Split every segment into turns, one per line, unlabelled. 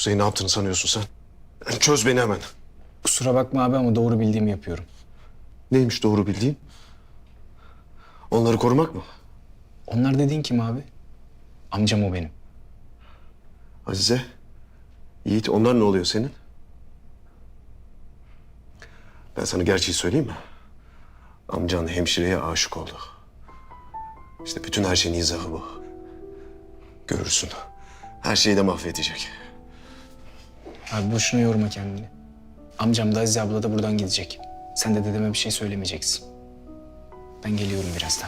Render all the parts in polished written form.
Kuzey, ne yaptığını sanıyorsun sen? Çöz beni hemen.
Kusura bakma abi ama doğru bildiğimi yapıyorum.
Neymiş doğru bildiğin? Onları korumak mı?
Onlar dediğin kim abi? Amcam o benim.
Azize, Yiğit, onlar ne oluyor senin? Ben sana gerçeği söyleyeyim mi? Amcan hemşireye aşık oldu. İşte bütün her şeyin izahı bu. Görürsün. Her şeyi de mahvedecek.
Abi boşuna yorma kendini. Amcam da Azize abla da buradan gidecek. Sen de dedeme bir şey söylemeyeceksin. Ben geliyorum birazdan.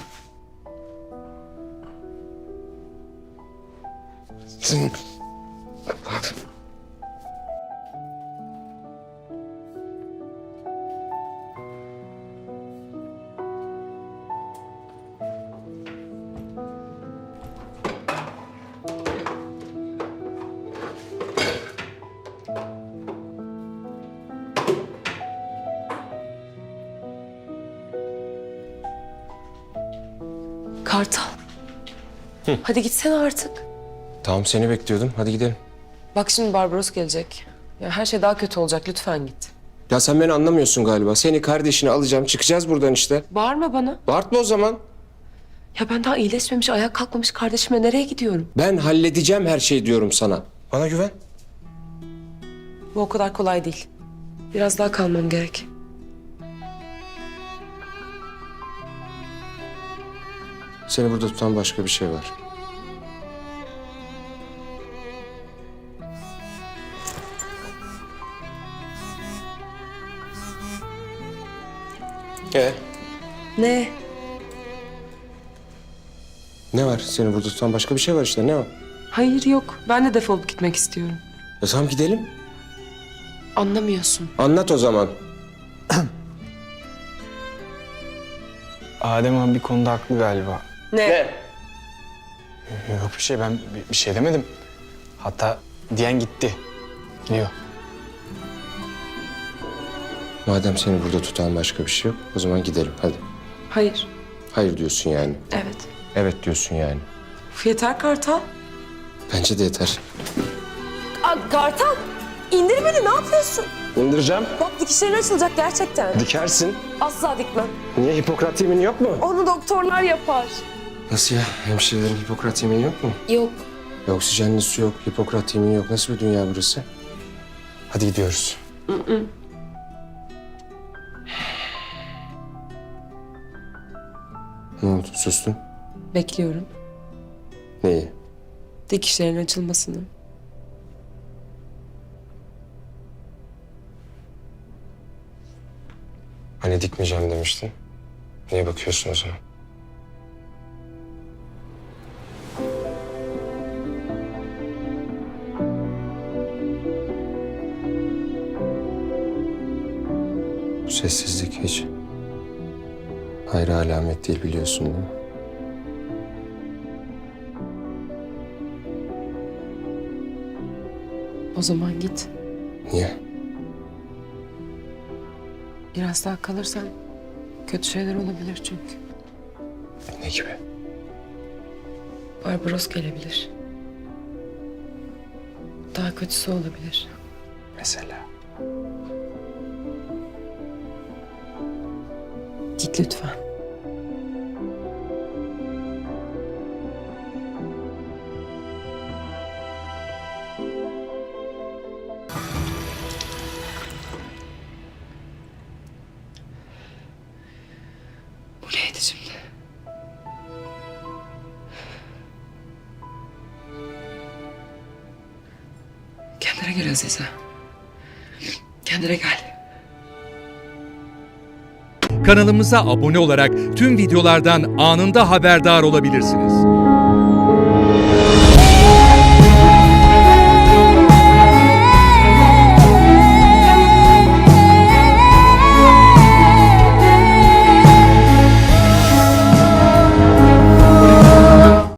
Kartal. Hadi gitsene artık.
Tamam, seni bekliyordum. Hadi gidelim.
Bak şimdi Barbaros gelecek. Ya her şey daha kötü olacak. Lütfen git.
Ya sen beni anlamıyorsun galiba. Seni, kardeşini alacağım. Çıkacağız buradan işte.
Bağırma bana.
Bağırtma o zaman.
Ya ben daha iyileşmemiş, ayağa kalkmamış kardeşime nereye gidiyorum?
Ben halledeceğim her şeyi diyorum sana. Bana güven.
Bu o kadar kolay değil. Biraz daha kalmam gerek.
Seni burada tutan başka bir şey var.
Ne?
Ne var? Seni burada tutan başka bir şey var işte. Ne o?
Hayır yok. Ben de defolup gitmek istiyorum.
Ya tamam, gidelim.
Anlamıyorsun.
Anlat o zaman.
Adem abi bir konuda haklı galiba.
Ne?
Yok bir şey, ben bir şey demedim. Hatta diyen gitti. Gidiyor.
Madem seni burada tutan başka bir şey yok, o zaman gidelim. Hadi.
Hayır.
Hayır diyorsun yani.
Evet.
Evet diyorsun yani.
Uf, yeter Kartal.
Bence de yeter.
Kartal! İndir beni, ne yapıyorsun?
İndireceğim.
Bak dikişlerin açılacak gerçekten.
Dikersin.
Asla dikmem.
Niye, Hipokrat yemini yok mu?
Onu doktorlar yapar.
Nasıl ya? Hemşirelerin Hipokrat yemini yok mu?
Yok.
Oksijenli su yok, Hipokrat yemini yok. Nasıl bir dünya burası? Hadi gidiyoruz. Ne oldu? Sustun.
Bekliyorum.
Neyi?
Dikişlerin açılmasını.
Hani dikmeyeceğim demiştin. Niye bakıyorsun o zaman? Bu sessizlik hiç hayra alamet değil, biliyorsun değil mi?
O zaman git.
Niye?
Biraz daha kalırsan kötü şeyler olabilir çünkü.
Ne gibi?
Barbaros gelebilir. Daha kötüsü olabilir.
Mesela?
Git lütfen. Bu neydi şimdi? Kendine gel Azize. Kendine gel.
Kanalımıza abone olarak tüm videolardan anında haberdar olabilirsiniz.